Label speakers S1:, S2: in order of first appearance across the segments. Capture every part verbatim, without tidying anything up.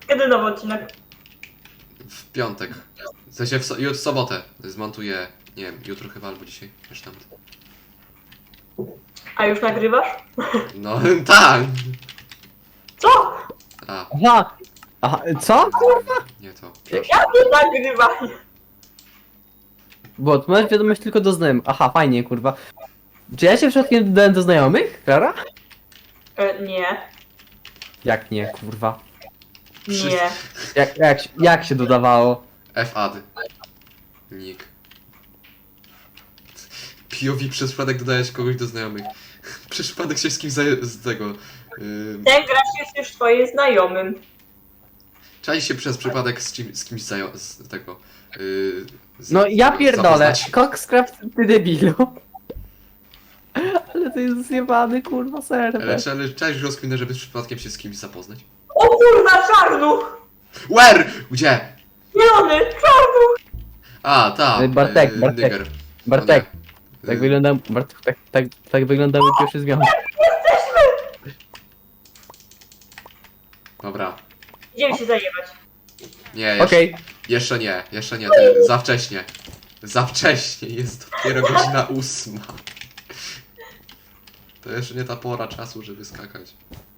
S1: Kiedy nowy odcinek?
S2: W piątek. W sensie w, so jutro w sobotę. Zmontuję, nie wiem, jutro chyba albo dzisiaj. Wiesz tam.
S1: A już nagrywasz?
S2: No tak!
S1: Co?
S2: A,
S3: Aha! Aha, co? Kurwa!
S2: nie to.
S1: Ja nie nagrywam.
S3: Bo masz wiadomość tylko do znajomych. Aha, fajnie, kurwa. Czy ja się przypadkiem dodałem do znajomych, Klara?
S1: E, nie.
S3: Jak nie, kurwa?
S1: Nie.
S3: Jak, jak, się- jak się dodawało?
S2: F-ad. Nick. P O V przez przypadek dodajesz kogoś do znajomych. Przez przypadek się z kimś zaje- z tego. Yy,
S1: Ten gracz jest już twoim znajomym.
S2: czai się przez przypadek z, czym, z kimś zajo- z tego. Yy, z,
S3: No ja pierdolę.
S2: zapoznać.
S3: Coxcraft, ty debilu. Ale to jest zjebany, kurwa, serwer.
S2: Ale, czy- ale cześć rozkminę, żeby z przypadkiem się z kimś zapoznać.
S1: O kurwa, czarnuch!
S2: Where? Gdzie?
S1: Zielony, czarnuch!
S2: A, ta.
S3: Ej, Bartek,
S2: yy,
S3: Bartek.
S2: Nigger.
S3: Bartek,
S2: O nie.
S3: tak
S2: Yy,
S3: wyglądał, Bartek, tak, tak, tak wyglądały pierwsze zmiany.
S2: Dobra.
S1: Idziemy się zajebać.
S2: Nie, jeszcze,
S3: Okej,
S2: jeszcze nie, jeszcze nie, ty, za wcześnie. Za wcześnie, jest dopiero godzina ósma. To jeszcze nie ta pora czasu, żeby skakać.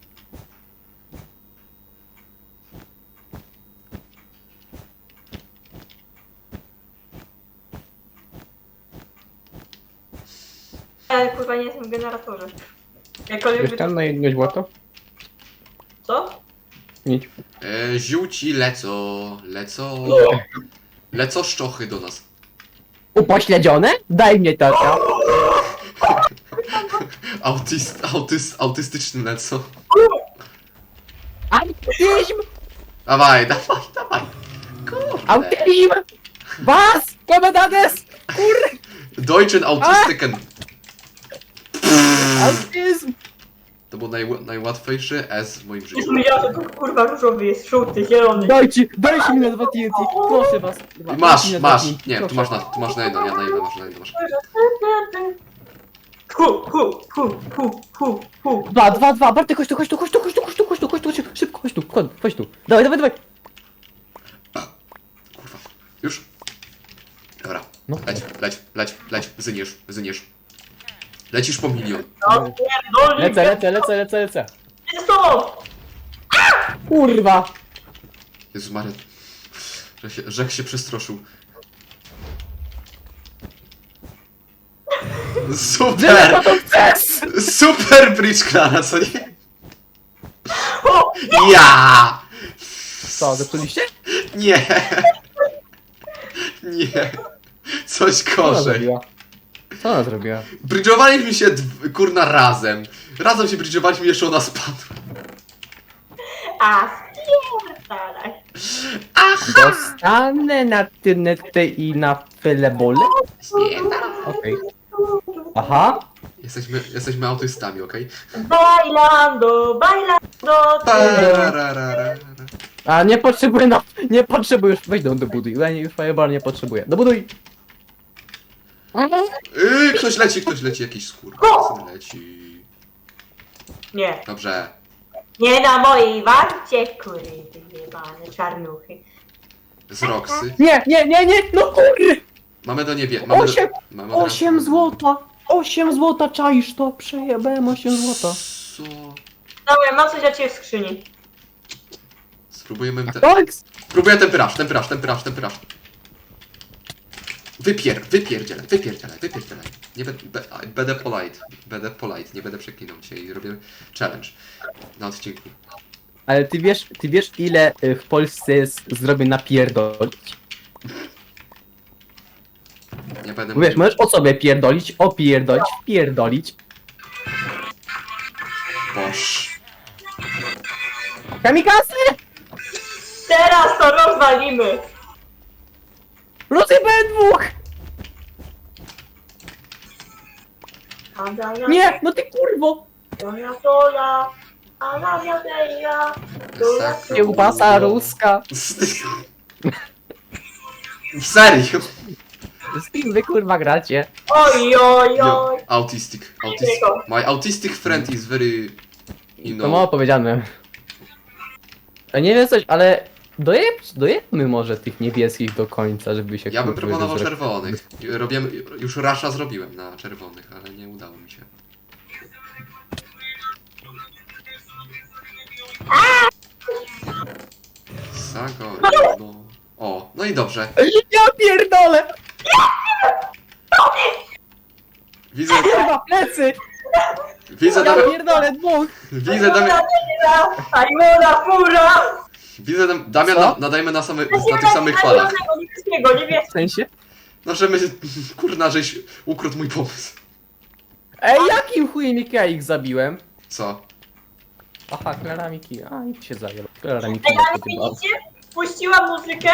S1: Ja kurwa nie jestem w generatorze. Jakkolwiek
S3: wiesz
S1: by...
S3: tam na jedno złoto?
S1: Co?
S3: Nic.
S2: E, ziółci lecą, lecą. Lecą szczochy do nas.
S3: Upośledzione? Daj mnie tata.
S2: Autyst, autyst, autystyczny lecą.
S3: Autyzm!
S2: Dawaj, dawaj, dawaj. Kurde.
S3: Autyzm! Was! Komendades! Kur...
S2: Deutschen Autistiken.
S3: Autyzm!
S2: To był naj, najłatwiejszy S w moim
S1: Już
S2: życiu.
S1: mówiłam, że to kurwa różowy jest, żółty, zielony.
S3: Dajcie, dajcie mi na dwa T N T, proszę was.
S2: I masz,
S3: Dajcie mi na
S2: masz.
S3: dwa T N T,
S2: Nie, tu
S3: proszę.
S2: masz na, tu masz na jedno, ja na jedno masz, na jedno masz.
S1: Hu, hu, hu, hu, hu, hu.
S3: Dwa, dwa, dwa, Bartek, chodź tu, chodź tu, chodź tu, chodź tu, chodź tu, chodź tu, chodź tu, chodź tu, szybko, chodź tu, chodź, chodź tu. Dawaj, dawaj, dawaj.
S2: Kurwa. Już? Dobra.
S3: No.
S2: Leć, leć, leć, leć, zyniesz, zyniesz. Lecisz po milion.
S1: No pierdolnik.
S3: Lecę, lecę, lecę, lecę, lecę.
S1: Jest z tobą!
S3: Kurwa.
S2: Jezu Maria. Że się, Rzek się przestroszył. Super!
S3: to chcesz?
S2: Super bridge Klara, co nie?
S1: O!
S2: Ja!
S3: Co, zepsuliście?
S2: Nie! Nie! Coś
S3: Co ona
S2: gorzej.
S3: zrobiła? Co ona zrobiła?
S2: Bridge'owaliśmy się dw- kurna razem. Razem się bridge'owaliśmy, jeszcze ona spadła.
S1: A spierdalaj.
S3: Dostanę na tynetę i na filebole? Okej. Aha.
S2: Jesteśmy, jesteśmy autystami, okej?
S1: Bailando, bailando.
S2: Parararara.
S3: A nie potrzebuję, no, nie potrzebuję już, weź do, do buduj, ja nie, już fireball nie potrzebuję. Do buduj!
S2: Yy, ktoś leci, ktoś leci, jakiś skór. Leci.
S1: Nie,
S2: Dobrze.
S1: nie na mojej warcie, kury, jebane czarnuchy.
S2: Z Roxy.
S3: Nie, nie, nie, nie, no kurde!
S2: Mamy do niebie. Mamy
S3: Osiem,
S2: do, mamy od razu-
S3: osiem złota! osiem złota, czaisz to? Przejebałem osiem złota.
S2: Co?
S1: Dobra, mam coś dla ciebie w skrzyni.
S2: Spróbujemy te...
S3: Tak!
S2: Spróbuję temperaż, temperaż, temperaż, temperaż. Wypier, wypierdzielaj, wypierdzielaj, wypierdzielaj. Nie będę, be, będę polite, będę polite, nie będę przeklinał dzisiaj i robię challenge na odcinku.
S3: Ale ty wiesz, ty wiesz ile y, w Polsce jest zrobię napierdolić?
S2: Nie będę
S3: Bo wiesz,
S2: mówił-
S3: możesz o sobie pierdolić, opierdolić, wpierdolić.
S2: Boż.
S3: Kamikaze!
S1: Teraz to rozwalimy.
S3: Rozjebałem dwóch! Nie, no ty kurwo!
S1: Toja, toja, a na wiadeja.
S2: Tak.
S3: Kiełbasa ruska.
S2: Serio?
S3: Z kim wy kurwa gracie?
S1: Oj, oj,
S2: Yo,
S1: oj.
S2: autistic, autistic. My autistic friend is very, you
S3: To mało
S2: know,
S3: powiedziane. A nie wiem coś, ale dojeb, dojebmy może tych niebieskich do końca, żeby się...
S2: Ja bym
S3: kurwa,
S2: proponował
S3: wyżre-
S2: czerwonych. Robiłem, już rasza zrobiłem na czerwonych, ale nie udało mi się. Sago, no. O, no i dobrze.
S3: Ja pierdolę!
S2: Widzę,
S3: Chyba plecy!
S2: widzę,
S3: Ja
S2: Damian,
S3: pierdolę dwóch!
S2: widzę, Damian,
S1: Ajmona, fura!
S2: widzę, Dam- Damian,
S3: Co?
S2: na, nadajmy na, same, na tych samych falach.
S1: Niebieskiego, niebieskiego.
S3: W sensie?
S2: No, że my, kurna, żeś ukradł mój pomysł.
S3: Ej, jakim chujem ja ich zabiłem?
S2: Co?
S3: Aha, Klara Miki. A, i się zajął. Klara Miki.
S1: Ej, ale widzicie? Puściłam muzykę.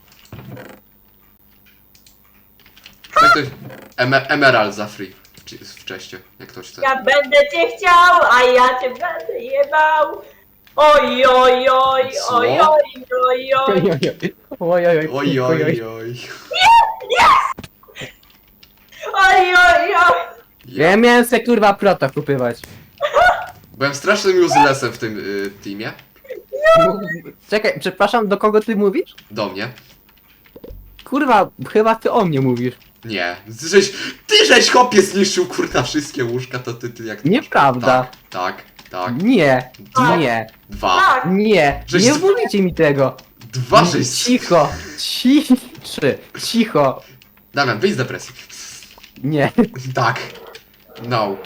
S2: Tak to jest Emer Emerald za free. Czy wcześniej, jak ktoś chce.
S1: Ja będę cię chciał, a ja cię będę jebał. Oj, oj, oj,
S2: Co?
S1: oj, oj, oj, oj.
S3: Oj, oj, oj.
S2: Oj, oj, oj.
S1: Oj, oj, oj.
S3: Ja miałem se kurwa prota kupywać.
S2: Byłem strasznym uselessem w tym y, teamie.
S3: Czekaj, przepraszam, do kogo ty mówisz?
S2: Do mnie.
S3: Kurwa, chyba ty o mnie mówisz.
S2: Nie. Ty żeś, ty żeś chłopie zniszczył kurna wszystkie łóżka, to ty, ty jak...
S3: Nieprawda.
S2: Tak, tak, tak.
S3: Nie,
S1: Tak.
S3: nie,
S2: Dwa.
S1: Tak.
S3: nie,
S2: Żeś
S3: nie
S2: z-
S3: mówicie mi tego.
S2: Dwa żeś...
S3: Cicho, ciszy, cicho.
S2: Damian, wyjdź z depresji.
S3: Nie,
S2: Tak. No.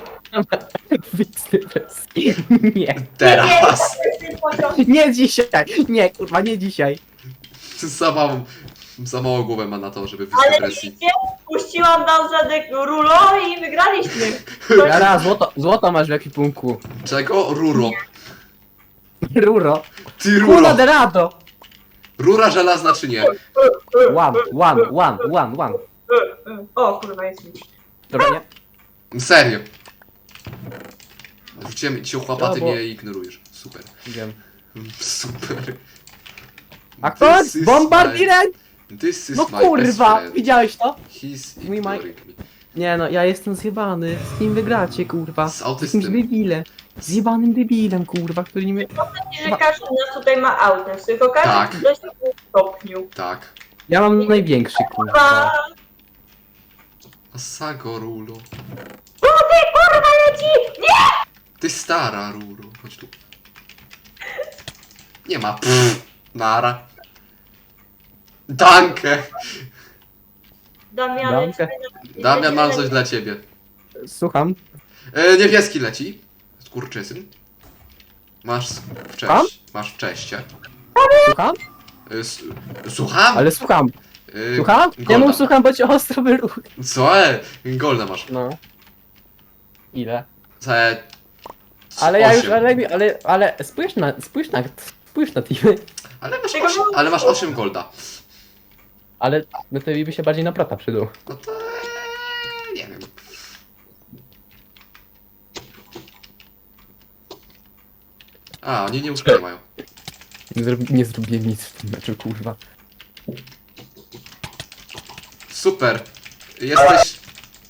S3: nie,
S2: Teraz.
S3: nie dzisiaj, nie, kurwa, nie dzisiaj.
S2: Za małą, za małą głowę ma na to, żeby wyjść z
S1: Ale
S2: depresji.
S1: widzicie? Puściłam wam zadek rulo i wygraliśmy.
S3: Jara, złoto, złoto masz w ekwipunku.
S2: Czego? Ruro.
S3: Ruro.
S2: Ty
S3: Kula
S2: ruro.
S3: de rado.
S2: Rura żelazna czy nie?
S3: One, one, one, one, one.
S1: O, kurwa, jest mi.
S3: Dobra, nie?
S2: Serio. Rzuciłem ci ochłapa, ty
S3: No, bo-
S2: mnie ignorujesz. Super.
S3: Wiem.
S2: Super.
S3: A kto?
S2: This is
S3: Bombardierem?
S2: my- This is
S3: No
S2: my best
S3: kurwa,
S2: friend.
S3: widziałeś to?
S2: He's
S3: Mój Mike.
S2: ignoring me.
S3: Nie no, ja jestem zjebany. Z kim wygracie, kurwa?
S2: Z
S3: Z jakimś
S2: autystym.
S3: debilem. Zjebanym debilem, kurwa, który nie mnie...
S1: Że każdy z nas tutaj ma autem, tylko każdy
S2: Tak.
S1: w dość stopniu.
S2: Tak.
S3: Ja mam największy, kurwa.
S1: Kurwa!
S2: Asago Rulo.
S1: Tutaj kurwa leci! Nie!
S2: Ty stara Ruro. Chodź tu. Nie ma. Pff, nara. Danke.
S1: Damian,
S3: Danke.
S2: Damian, mam coś dla ciebie.
S3: Słucham.
S2: E, niebieski leci. Skurczysyn. Masz w
S3: Słucham?
S2: cześć. Masz w czeście.
S3: Słucham?
S2: E, s- słucham?
S3: Ale słucham.
S2: E,
S3: Słucham?
S2: Golda.
S3: Ja mów słucham, bo cię ostro wyruch.
S2: Co? E, Golda masz.
S3: No. Ile?
S2: E,
S3: Ale ja już,
S2: osiem.
S3: ale, ale, ale spójrz na, spójrz na, spójrz na teamy.
S2: Ale masz
S1: Tego
S2: osiem,
S1: nie-
S2: ale masz osiem golda.
S3: Ale no to by się bardziej na prota przydał.
S2: No to e, nie wiem. A, oni nie łóżka nie mają.
S3: Nie, zrobi, nie zrobiłem nic w tym meczu, kurwa.
S2: Super. Jesteś...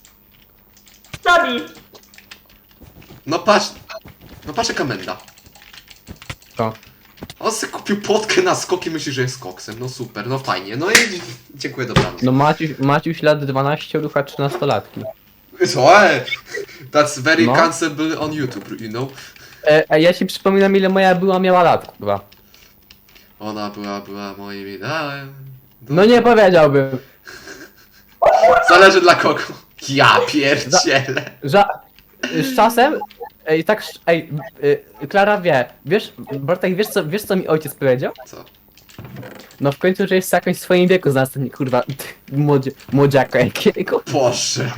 S1: Sabi!
S2: No patrz... No patrz jaka menda.
S3: Co?
S2: On sobie kupił potkę na skoki, myśli, że jest koksem. No super, no fajnie. No i dziękuję, dobranoc.
S3: No Maciuś, Maciuś lat dwanaście, rucha trzynastolatki.
S2: Co? E? That's very
S3: No.
S2: cancelable on YouTube, you know?
S3: E, a ja ci przypominam ile moja była miała lat, kurwa.
S2: Ona była, była moim ideałem.
S3: No nie powiedziałbym.
S2: Zależy dla kogo. Ja pierdzielę.
S3: Ża z czasem, ej, tak, sz- ej, y, Klara wie, wiesz, Bartek, wiesz co, wiesz co mi ojciec powiedział?
S2: Co?
S3: No w końcu, że jest jakoś w swoim wieku znalazł ten, kurwa, młodzie, młodziaka jakiego.
S2: Boże.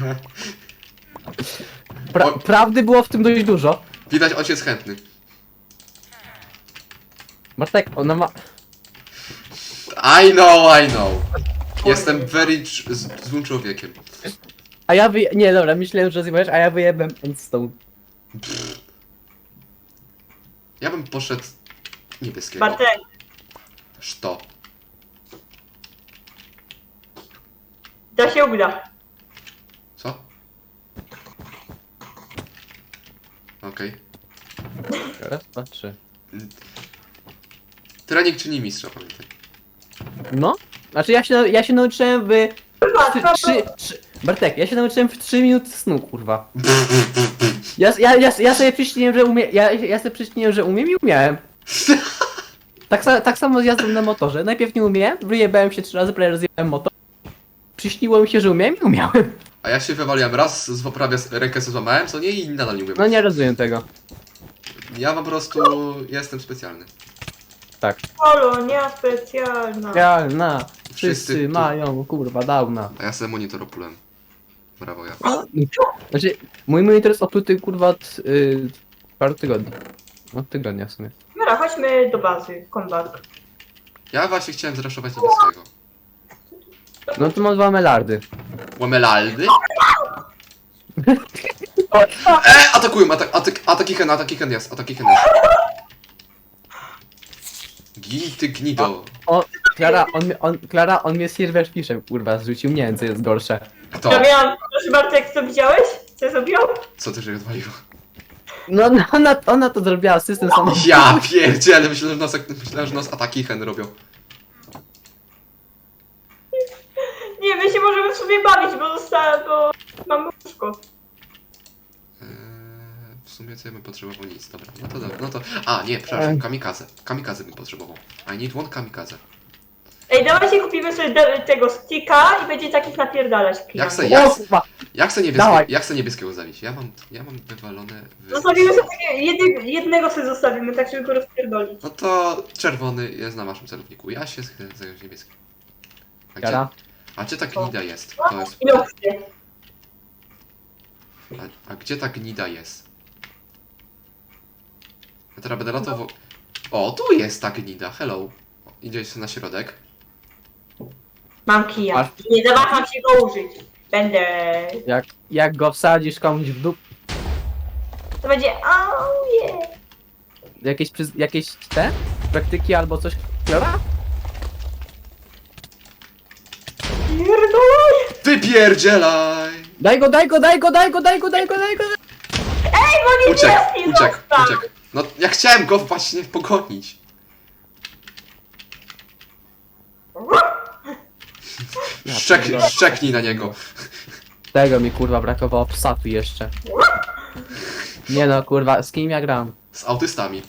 S3: Pra
S2: O-
S3: prawdy było w tym dość dużo.
S2: Widać, ojciec chętny.
S3: Bartek, ona ma...
S2: I know, I know. Jestem very cz- z- złym człowiekiem.
S3: A ja wyje... Nie, dobra, myślałem, że zjebałeś, a ja wyjebem Endstone.
S2: Ja bym poszedł niebieskiego.
S1: Bartek,
S2: Szto.
S1: to się uda.
S2: Co? Okej.
S3: Raz, dwa, trzy.
S2: Trening czyni mistrza, pamiętaj.
S3: No. Znaczy ja się, ja się nauczyłem w...
S1: Kurwa,
S3: Trzy,
S1: to-
S3: trzy, trzy, Bartek, ja się nauczyłem w trzy minuty snu, kurwa. Ja, ja, ja, ja sobie przyśniłem, że umiem, ja, ja sobie przyśniłem, że umiem i umiałem. Tak, sa, tak samo z jazdą na motorze. Najpierw nie umiałem, wyjebałem się trzy razy, prawie rozjebałem motor. Przyśniło mi się, że umiem i umiałem.
S2: A ja się wywaliłem raz, z prawie rękę sobie złamałem, co nie i nadal nie umiem.
S3: No nie rozumiem tego.
S2: Ja po prostu jestem specjalny.
S3: Tak.
S1: Kolonia specjalna.
S3: Ja, na.
S2: Wszyscy
S3: Wszyscy
S2: tu.
S3: mają, kurwa, downa.
S2: A ja sobie monitor oplułem. Brawo ja.
S3: Znaczy, mój monitor jest opluty, kurwa, od y, paru tygodni. Od tygodnia w sumie.
S1: Dobra, chodźmy do bazy. Kombat.
S2: Ja właśnie chciałem zraszować niebieskiego.
S3: No to mam dwa melardy.
S2: Łamelaldy? E, atakują, atak, atak, ataki hen, ataki hen jest, ataki hen jest. Gij ty gnido.
S3: O, Klara, on, mnie- on, Klara, on mnie silver fiszem, kurwa, zrzucił, nie wiem co jest gorsze.
S2: Kto?
S1: Ja miałam, proszę bardzo, jak to widziałeś? Co ja zrobiłam?
S2: Co ty, że odwaliło?
S3: No, no ona, ona to zrobiła, system sam.
S2: Ja pierdzielę, myślałem, że nas, myślałem, że nas ataki hen robią.
S1: Nie, my się możemy w sobie bawić, bo została, bo mamy łóżko.
S2: Eee, w sumie co ja bym potrzebował? Nic, dobra, no to dobra, no to... A, nie, przepraszam, kamikaze. Kamikaze bym potrzebował. I need one kamikaze.
S1: Ej, dawajcie kupimy sobie de- tego sticka i będzie takich napierdalać
S2: Jak
S1: klientów.
S2: se, jak,
S3: O, kurwa,
S2: jak se niebieskie,
S3: Dawaj.
S2: jak se niebieskiego zabić? Ja mam, ja mam wywalone... Wy...
S1: Zostawimy sobie takie, jedy, jednego sobie zostawimy, tak żeby go rozpierdolić.
S2: No to czerwony jest na waszym celowniku. Ja się chcę zająć niebieskim. A gdzie,
S3: Klara,
S2: a gdzie ta gnida jest? To jest...
S1: I opcje.
S2: A, a gdzie ta gnida jest? Ja teraz będę latał... wo- O, tu jest ta gnida, hello. Idziesz na środek.
S1: Mam kija.
S3: Masz?
S1: Nie zawaham się go użyć. Będę...
S3: jak, jak go wsadzisz komuś w dup,
S1: To będzie... Oh yeah.
S3: jakieś, przyz- jakieś te praktyki albo coś, Klara?
S1: Pierdolaj!
S2: Wypierdzielaj!
S3: Daj go, daj go, daj go, daj go, daj go, daj go, daj go.
S1: Ej, bo nie
S2: Uciekł,
S1: jest
S2: uciekł, uciekł. No, ja chciałem go właśnie pogonić.
S3: Ja
S2: Szczek,
S3: pierdolę.
S2: szczeknij na niego.
S3: Tego mi kurwa brakowało, psa tu jeszcze. Nie no, kurwa, z kim ja gram?
S2: Z autystami.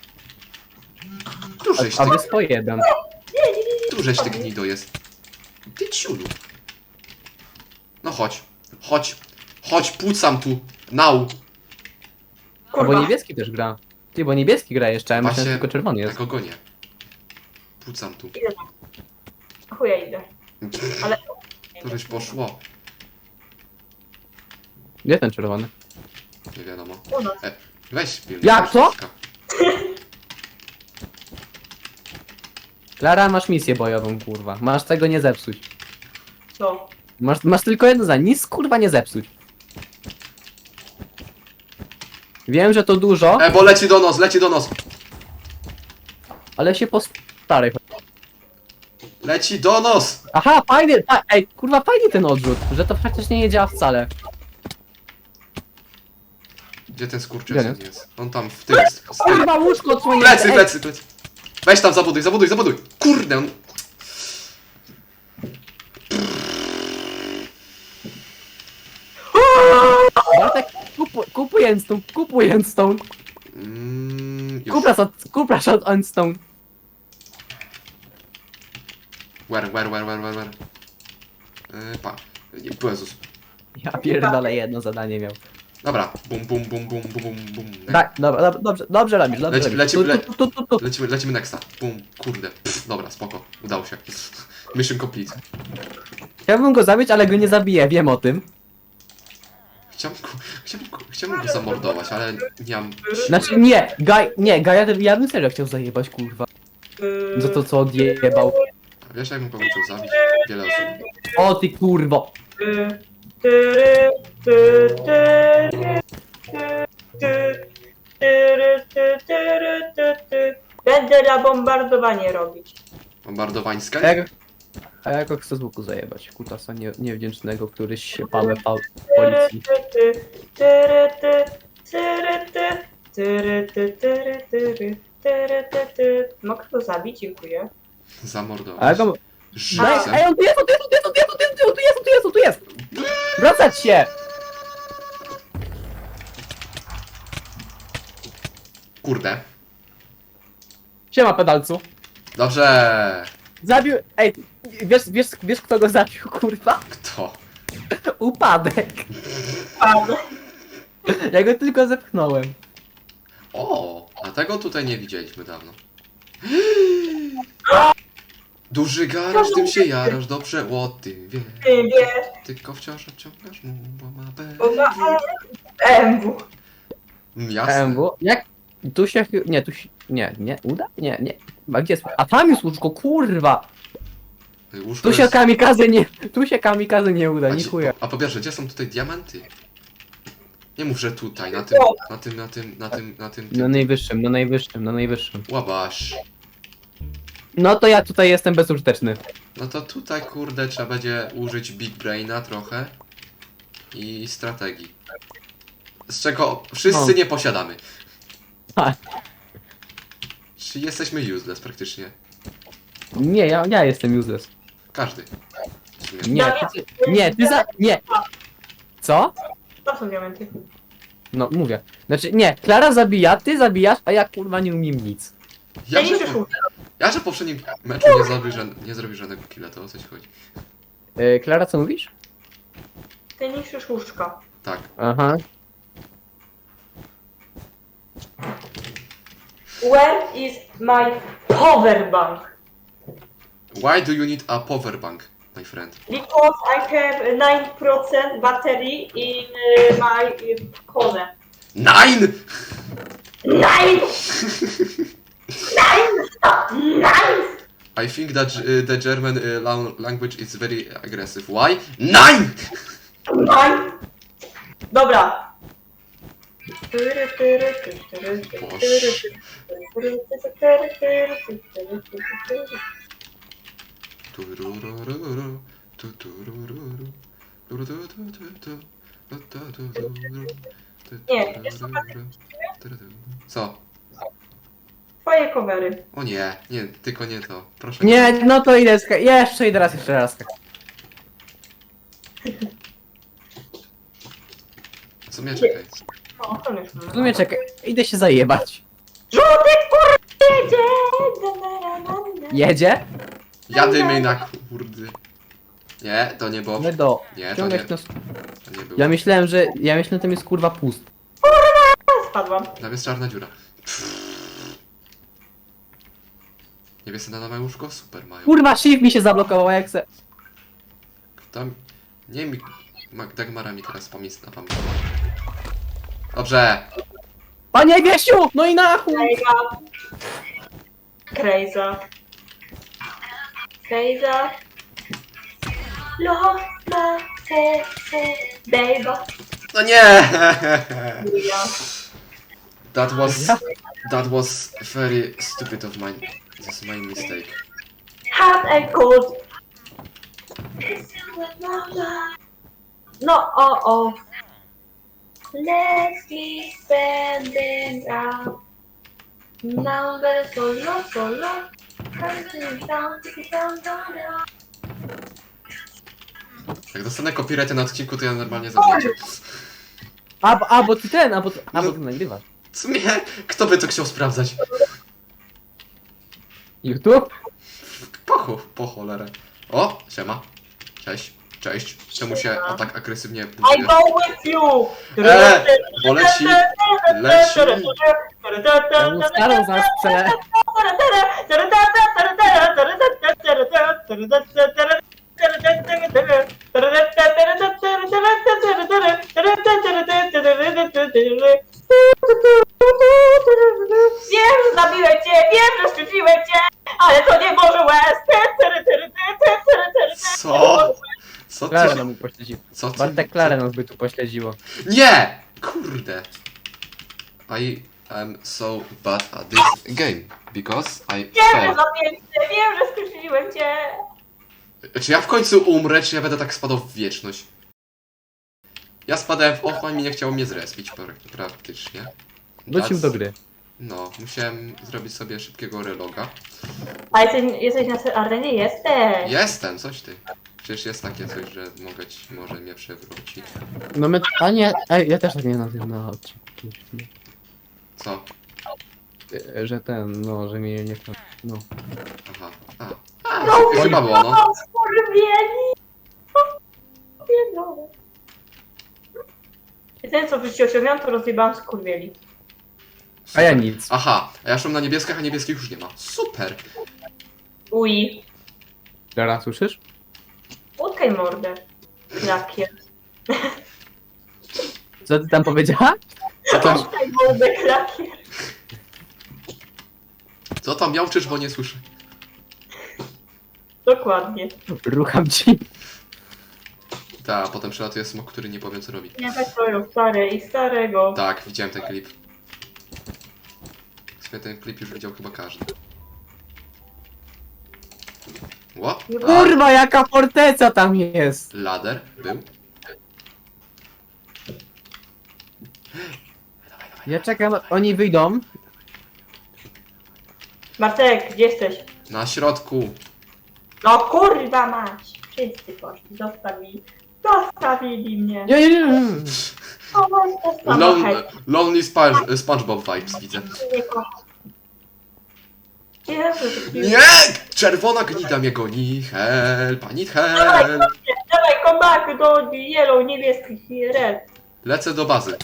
S2: Tu żeś
S3: A
S2: ty,
S3: wy po jeden.
S2: tu żeś ty gnido jest. Ty ciulu. No chodź, chodź, chodź, pucam tu. Now.
S3: A bo
S1: Kurwa.
S3: niebieski też gra. Ty, bo niebieski gra jeszcze, a myślałem, że
S2: Właśnie-
S3: tylko czerwony
S2: Ja
S3: jest.
S2: go gonię. Pucam tu.
S1: Chuja idę. Ale...
S2: Tu żeś poszło.
S3: Gdzie ten czerwony?
S2: Nie wiadomo.
S1: U nas.
S2: E, weź pilnuj.
S3: Jak
S2: weź
S3: to?
S2: wszystko.
S3: Klara, masz misję bojową, kurwa. Masz tego nie zepsuć.
S1: Co?
S3: Masz, masz tylko jedno za nic, kurwa, nie zepsuć. Wiem, że to dużo,
S2: E, bo leci do nos, leci do nos.
S3: ale się postaraj.
S2: Leci do nos.
S3: Aha, fajny, fa ej, kurwa, fajny ten odrzut, że to faktycznie nie działa wcale.
S2: Gdzie ten
S3: Gdzie
S2: skurczysyn
S3: jest?
S2: jest? On tam w tym, z, z tym.
S3: Kurwa, łóżko odsłonięte,
S2: Plecy,
S3: ej.
S2: plecy, plecy. Weź tam, zabuduj, zabuduj, zabuduj. Kurde, on...
S3: Bartek, kupuj, kupuj endstone, kupuj endstone,
S2: Mm, już.
S3: kuprasz od, kuprasz od endstone.
S2: Where, where, where, where, where, where? Yy, pa. Nie, Jezus.
S3: Ja pierdolę, jedno zadanie miał.
S2: Dobra. Bum, bum, bum, bum, bum, bum, bum.
S3: Tak, dobra, dobra, dobrze, dobrze robisz, dobrze
S2: Leci-
S3: robisz.
S2: lecimy, le-
S3: Tu, tu, tu, tu, tu.
S2: Lecimy, lecimy nexta. Bum, kurde. Pff, dobra, spoko. Udało się. Mission complete.
S3: Chciałbym go zabić, ale go nie zabiję, wiem o tym.
S2: Chciałbym go, chciałbym go, chciałbym go zamordować, ale nie mam...
S3: Znaczy nie, Gaj, nie, Gaja, ja bym serio chciał zajebać, kurwa. Za to co odjebał.
S2: Wiesz, jak bym go chciał zabić? Wiele osób.
S3: O ty kurwo.
S1: Ty, tyry, ty, tyry, ty, ty, tyry, ty, tyry, ty, ty. Będę na bombardowanie robić.
S2: Bombardowańska?
S3: A jak, a jak go chcę z łuku zajebać? Kutasa nie, niewdzięcznego, który się pałe pa,
S1: Tyry,
S3: policji.
S1: ty, ty, tyry, ty, tyry, ty, tyry, ty, tyry, tyry. Tyry, ty, ty. Mogę go zabić? Dziękuję.
S3: Ale
S2: Zamordować.
S3: go... Daj,
S2: Żywcem.
S3: ej, on tu jest, on tu jest, on tu jest, on tu jest, on tu jest, on tu jest, on tu jest, on tu jest! Wracać się!
S2: Kurde.
S3: Siema, pedalcu.
S2: Dobrze.
S3: Zabił... Ej, wiesz, wiesz, wiesz kto go zabił, kurwa?
S2: Kto?
S3: Upadek.
S1: Padł.
S3: Ja go tylko zepchnąłem.
S2: O, a tego tutaj nie widzieliśmy dawno. Duży garaż, tym się jarasz, dobrze o tym wiesz.
S1: Ty wiesz.
S2: Tylko wciąż obciągasz mu, bo ma
S1: Bo ma
S2: B.
S1: M W.
S2: Mm, Jasne.
S3: M W? Jak? Tu się... chy- Nie, tu się... Nie, nie, uda? Nie, nie. A gdzie jest? A tam jest łóżko, kurwa!
S2: Łóżko
S3: Tu się
S2: jest-
S3: kamikaze nie... Tu się kamikaze nie uda,
S2: A,
S3: ni
S2: ci-
S3: chuja.
S2: a po pierwsze, gdzie są tutaj diamenty? Nie mów, że tutaj, na tym, na tym, na tym, na tym, na tym,
S3: Na
S2: tym.
S3: najwyższym, na najwyższym, na najwyższym.
S2: Łabasz.
S3: No to ja tutaj jestem bezużyteczny.
S2: No to tutaj, kurde, trzeba będzie użyć Big Braina trochę i strategii. Z czego wszyscy
S3: O.
S2: nie posiadamy.
S3: Tak.
S2: Czyli jesteśmy useless praktycznie.
S3: Nie, ja, ja jestem useless.
S2: Każdy. W sumie.
S3: Nie, ty, ty, nie, ty za... Nie. Co?
S1: To są diamenty.
S3: No, mówię. Znaczy, nie, Klara zabija, ty zabijasz, a ja kurwa nie umiem nic.
S2: Ja,
S1: Ja
S2: że,
S1: nie
S2: po,
S1: przyszło.
S2: ja, że w poprzednim meczu nie zrobił, ża nie zrobił żadnego killa, to o co ci chodzi?
S3: Yy, Klara, co mówisz?
S1: Ty niszczysz łóżka.
S2: Tak.
S3: Aha.
S1: Where is my power bank?
S2: Why do you need a power bank, my friend?
S1: Because I have nine percent battery in uh, my uh, phone.
S2: Nine!
S1: Nine! Nine! Stop! Nine!
S2: I think that uh, the German uh, lang- language is very aggressive. Why? Nine!
S1: Nine! Dobra.
S2: Tururururu, tuturururu, turututututu, tututururu,
S1: Nie, jest to
S2: tutururu. Co?
S1: Twoje covery.
S2: O nie, nie, tylko nie to. Proszę
S3: Nie, no to idę, ska- jeszcze idę raz, jeszcze raz.
S2: Co mnie czekaj?
S1: No, to nie
S3: W sumie czekaj, idę się zajebać.
S1: Żółty kur... jedzie!
S3: Jedzie?
S2: Jadymy na kurdy. Nie, to nie było.
S3: My do...
S2: Nie, to
S3: Ciągać
S2: nie,
S3: nas...
S2: to nie było.
S3: Ja myślałem, że... Ja myślałem, że tam jest kurwa pust.
S1: Spadłam.
S2: Tam jest czarna dziura. Niebieskie na nowe łóżko? Super mają.
S3: Kurwa, shift mi się zablokował, jak se...
S2: Tam... Nie mi... Ma- Dagmara mi teraz pamięć na pamięć. Dobrze.
S3: Panie Wiesiu! No i na chuj!
S1: Krejza. Krejza. Krejza. Lo, la, se, se, baby.
S2: No nie!
S1: Ja.
S2: That was... That was very stupid of mine. This is my mistake.
S1: Have a good. No, oh, oh. Let's be spending out. Number solo, solo. Counting down, ticking down, down, down.
S2: Jak dostanę copyrighty na odcinku, to ja normalnie zaznaczę.
S3: A, bo- a, bo ty ten, a bo, ty- a, bo
S2: No.
S3: ty nagrywasz.
S2: W sumie, kto by to chciał sprawdzać?
S3: YouTube?
S2: Po, cho- po cholerę. O, siema. Cześć. Cześć. Czemu się a tak agresywnie
S1: I
S2: budujesz?
S1: go with you!
S2: E, bo leci, leci.
S3: Ja mu starą zaraz prze...
S1: Wiem, że zabiłem cię, wiem, że szczyciłem cię, ale to nie może łez.
S2: Co? Co
S3: Klara
S2: ty?
S3: nam mu pośledziło.
S2: Co ty?
S3: Bartek Klarę nas by tu pośledziło.
S2: Nie! Kurde. I am so bad at this game. Because I
S1: Wiem, że
S2: failed.
S1: zabiłem cię, wiem, że skrzywdziłem cię.
S2: Czy ja w końcu umrę, czy ja będę tak spadał w wieczność? Ja spadałem w ochłoń i nie chciało mnie zrespić pra- praktycznie.
S3: Wrócił
S2: That's-
S3: do gry.
S2: No, musiałem zrobić sobie szybkiego reloga.
S1: A jesteś, jesteś na arenie? Jesteś!
S2: Jestem, coś ty. Przecież jest takie coś, że mogę ci, może mnie przewrócić.
S3: No my... A nie, ej, ja też tak nie nazywam na odcinku.
S2: Co?
S3: E, Że ten, no, że mnie nie... No.
S2: Aha. A, A no, chyba było, no.
S1: Skurwieli! Pierdolę. I ten co w życiu osiągnąłem, to rozjebałam skurwieli.
S3: A ja nic.
S2: Aha, a ja szłem na niebieskich, a niebieskich już nie ma. Super.
S1: Uj.
S3: Teraz słyszysz?
S1: Utkaj mordę. Jakie.
S3: Co ty tam powiedziała?
S2: Co tam,
S1: Utkaj mordę, klakier.
S2: co tam miałczysz, bo nie słyszę.
S1: Dokładnie.
S3: Rucham ci.
S2: Ta, a potem przelatuje smok, który nie powiem co robi.
S1: Nie tak twoją stare i starego.
S2: Tak, widziałem ten klip. W sumie ten klip już widział chyba każdy. What? A,
S3: Kurwa, jaka forteca tam jest!
S2: lader był.
S3: Ja czekam, oni wyjdą.
S1: Martek, gdzie jesteś?
S2: Na środku.
S1: No kurwa mać! Wszyscy poszli, zostawili. Zostawili mnie.
S3: Nie, nie, nie, nie.
S1: O, to samo,
S2: Lon
S1: hej.
S2: lonely Sponge SpongeBob vibes widzę.
S1: Nie kocham. Jezu,
S2: Nie! Czerwona gnida mnie goni. Help, I need help.
S1: Dawaj, come back do yellow, niebieskich i red.
S2: Lecę do bazy.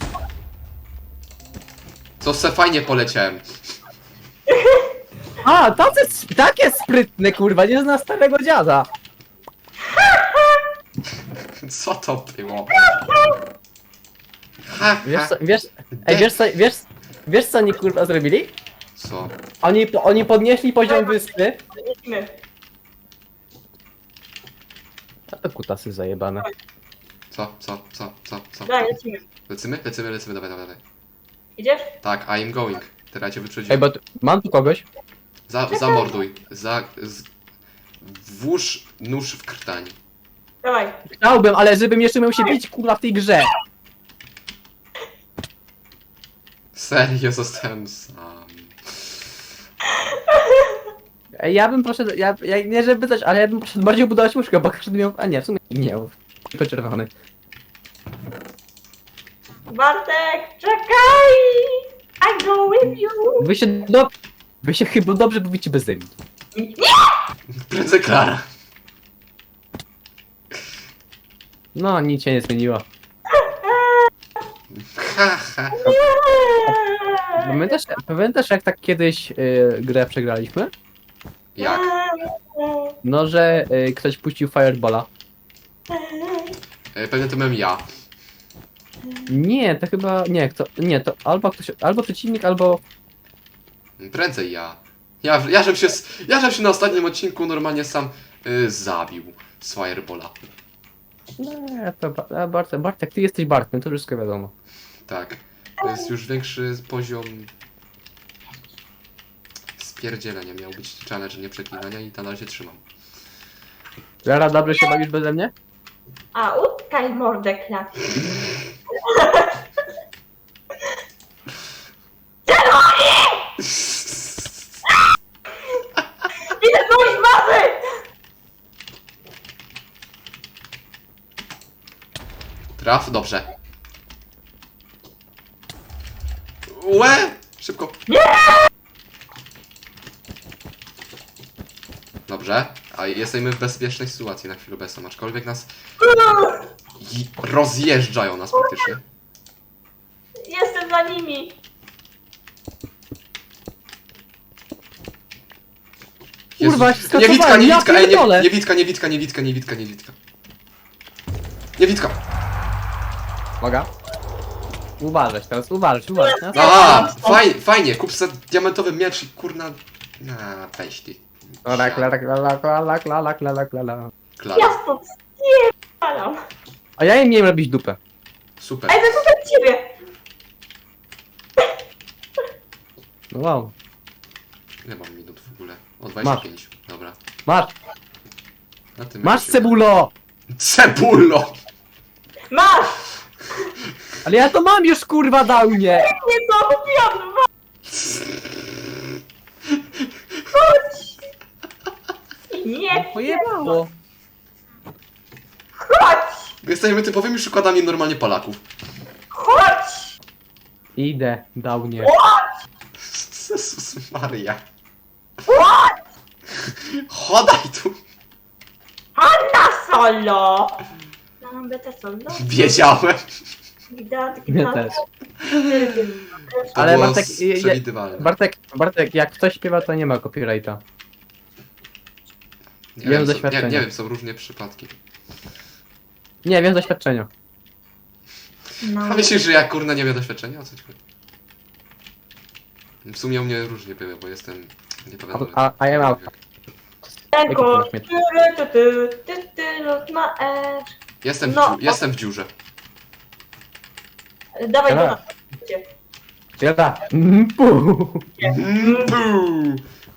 S2: Co se fajnie poleciałem.
S3: A, tacy, takie sprytne, kurwa, nie zna starego dziada.
S2: Co to było? Ha,
S3: Wiesz
S2: ha.
S3: co, wiesz, ej, wiesz co, wiesz, wiesz co oni kurwa zrobili?
S2: Co?
S3: Oni, oni podnieśli poziom wyspy.
S1: Lecimy.
S3: A to kutasy zajebane.
S2: Co? Co? Co? Co? Co?
S1: Daj, lecimy.
S2: Lecimy? Lecimy, lecimy, dawaj, dawaj, dawaj.
S1: Idziesz?
S2: Tak, I am going. Teraz cię
S3: Ej,
S2: wyprzedziłem.
S3: bo tu, mam tu kogoś.
S2: Za, zamorduj. Za... Z... Włóż nóż w krtań.
S1: Dawaj.
S3: Chciałbym, ale żebym jeszcze miał się bić kurwa w tej grze.
S2: Serio, zostałem sam.
S3: Ej, ja bym poszedł, ja, ja nie żeby coś, ale ja bym poszedł bardziej budować łóżko, bo każdy miał, a nie, w sumie nie, tylko czerwony.
S1: Bartek, czekaj! I go with you!
S3: Wy się, do, wy się chyba dobrze bawicie bez ziemi.
S2: Prędzej Klara.
S3: No, nic się nie zmieniło.
S2: Ha, ha.
S3: Pamiętasz, pamiętasz jak tak kiedyś y, grę przegraliśmy?
S2: Jak?
S3: No, że y, ktoś puścił Fireballa.
S2: E, Pewnie to byłem ja.
S3: Nie, to chyba, nie, to, nie, to albo ktoś, albo przeciwnik, albo...
S2: Prędzej ja. Ja, ja, żem się, s- ja żem się na ostatnim odcinku normalnie sam y, zabił z Firebola.
S3: Nie, to Ba- a, Bartek, Bartek, ty jesteś Bartkiem, to wszystko wiadomo.
S2: Tak. To jest już większy poziom spierdzielenia. Miał być challenge nie przeklinania i nadal się trzymam.
S3: Lara, dobrze się bawisz beze mnie?
S1: A, utkaj mordę, klakier. Idę znowu z bazy!
S2: Traf? Dobrze. Łe! Szybko. Dobrze. A jesteśmy w bezpiecznej sytuacji na chwilę obecną, aczkolwiek nas i rozjeżdżają nas praktycznie.
S1: Jestem za nimi.
S3: Kurwa,
S2: Jezus.
S3: się skakowałem,
S2: Niewitka,
S3: ja
S2: niewitka, ej, nie,
S3: pierdolę.
S2: niewitka, niewitka, niewitka, niewitka, niewitka. Niewitka.
S3: Uwaga. Uważać teraz, uważać, uważać. No,
S2: A, fajnie, fajnie, kup sobie diamentowy miecz i kurna... A, weź ty.
S3: Kla, kla, kla, kla, kla, kla, kla, kla, kla.
S2: Klara.
S1: Ja stąd spierdalam.
S3: A ja im miałem robić dupę.
S2: Super.
S1: Ej, zakupię ciebie.
S3: No wow.
S2: Ile mam minut w ogóle? O dwadzieścia pięć. Dobra.
S3: Masz,
S2: Na tym
S3: masz
S2: jakoś-
S3: cebulo!
S2: Cebulo!
S1: Masz!
S3: Ale ja to mam już kurwa dał mnie!
S1: Nie to kupiłam dwa.
S3: pojebało.
S1: Chodź!
S2: My jesteśmy typowymi przykładami normalnie Polaków.
S1: Chodź!
S3: Idę, dał nie.
S2: Jezus Maria. Chodaj tu.
S1: Hanna solo! Mam beta solo?
S2: Wiedziałem.
S1: Gidatki,
S3: Ja też.
S2: To
S3: Ale
S2: było
S3: Bartek,
S2: s-
S3: je- je-
S2: przewidywalne.
S3: Bartek, Bartek, jak ktoś śpiewa, to nie ma copyrighta.
S2: Nie
S3: wiem
S2: wiem, co, nie,
S3: doświadczenia.
S2: nie wiem, są różne przypadki.
S3: Nie, wiem z doświadczenia.
S1: No.
S2: A myślisz, że ja kurna nie wiem doświadczenia? O co ci chodzi? W sumie u mnie różnie były, bo jestem... Nie pamiętam.
S3: A- a- a ja mam- Jaki
S1: Tego.
S3: masz miecz?
S1: Ty, ty, ty, ty, ty, lot na edge.
S2: Jestem w,
S1: No.
S2: dziu- jestem w dziurze.
S1: Dawaj do
S3: Dobra.
S1: nas.
S3: Siada. Mm, pu.
S2: Mm, puu.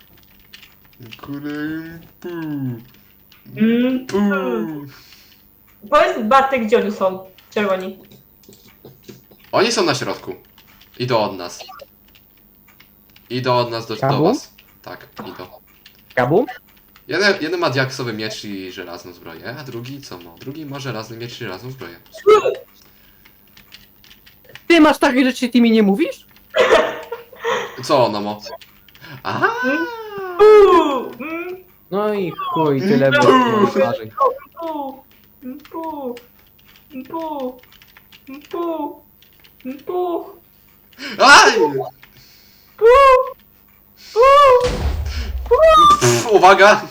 S2: Kurde, puu.
S1: Mm.
S2: Puu.
S1: Powiedz Bartek, gdzie oni są? Czerwoni.
S2: Oni są na środku. Idą od nas. Idą od nas do, do
S3: Kabu?
S2: was. Tak, idą.
S3: Kabu?
S2: Jeden, jeden ma diaksowy miecz i żelazną zbroję, a drugi co ma? Drugi ma żelazny miecz i żelazną zbroję.
S3: Ty masz takie rzeczy, ty mi nie mówisz?
S2: Co ono ma? Aha!
S1: Puu! Mm,
S3: No i chuj, tyle
S1: No.
S3: było marzeń.
S1: puu! Mm, puu! Mm, puu! Mm, puu! Mm, puu!
S2: Aj!
S1: Puu! Puu!
S2: Pff, uwaga!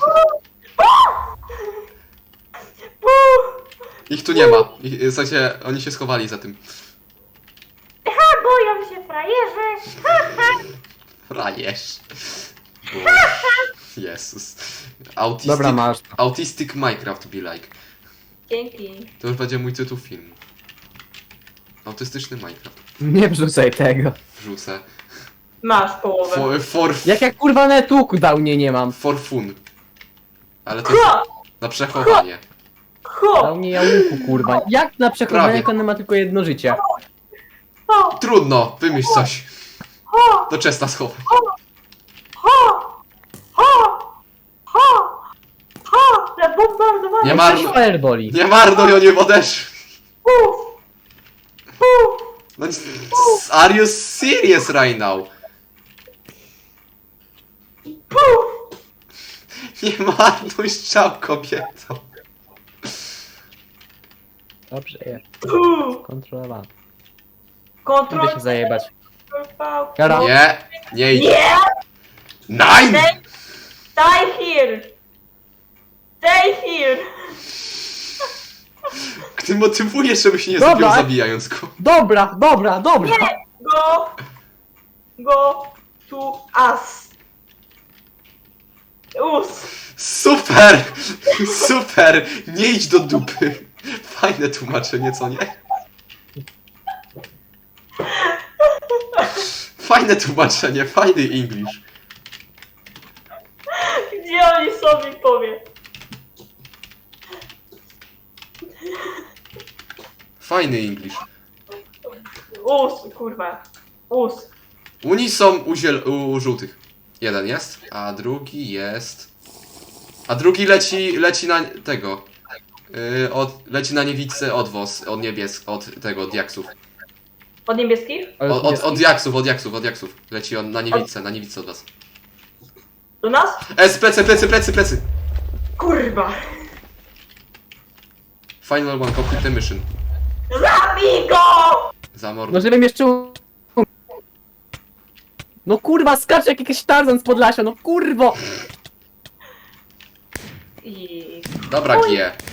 S1: Puu!
S2: Ich tu nie ma. Ich, w sensie, oni się schowali za tym.
S1: Ha, boją się frajerzy!
S2: Rajesz. Boże. Jezus. Autistic,
S3: Dobra, masz.
S2: Autistic Minecraft be like.
S1: Dzięki.
S2: To już będzie mój tytuł filmu. Autystyczny Minecraft.
S3: Nie wrzucaj tego.
S2: Wrzucę.
S1: Masz połowę.
S2: For, for,
S3: Jak ja kurwa netu downie nie mam.
S2: for fun. Ale to jest
S1: Ho!
S2: na przechowanie.
S1: Ho!
S3: Dał mnie jałówku kurwa. Jak na przekonanie,
S2: Prawie.
S3: jak on ma tylko jedno życie?
S1: Ho!
S2: Trudno, wymyśl coś.
S1: Ho!
S2: Do Chesta schowaj.
S1: Ho! Ho! Ho! Ho! Na bombardowanie!
S2: Nie
S3: Nie
S2: marno-
S3: ma fireboli.
S2: Nie marnuj, oni odeszli.
S1: Puf! Puf!
S2: No, are you serious right now?
S1: Puf!
S2: Nie marnuj strzał, kobieto.
S3: Dobrze jest.
S1: Puf!
S3: Kontrolowane.
S1: Kontrol...
S3: Idę się zajebać.
S1: Kontrol-
S3: Jara.
S2: Nie, nie idź.
S1: Nie!
S2: Nine!
S1: Stay, stay here! Stay here!
S2: Ty motywujesz, żebyś nie
S3: Dobra,
S2: zabił
S3: a-
S2: zabijając go.
S3: Dobra, dobra, dobra.
S1: Go! Go to us! Us!
S2: Super! Super! Nie idź do dupy. Fajne tłumaczenie, co nie? Fajne tłumaczenie, fajny English.
S1: Gdzie oni sobie powie?
S2: Fajny English.
S1: Us, kurwa. Us.
S2: Uni są u, ziel- u żółtych. Jeden jest, a drugi jest... A drugi leci, leci na tego. Yy, od, leci na niewidce od was, od niebies, od tego, od jaksów.
S1: Od niebieskich?
S2: Od, od, od jaksów, od jaksów, od jaksów. Leci on na niewidce, na niewidce od was.
S1: Do nas?
S2: Es, plecy, plecy, plecy, plecy!
S1: Kurwa.
S2: Final one, complete the mission.
S1: Zabij go!
S2: Zamord.
S3: No żebym jeszcze... u- No kurwa, skacze jak jakiś Tarzan z Podlasia, no kurwo!
S1: I...
S2: Dobra, G.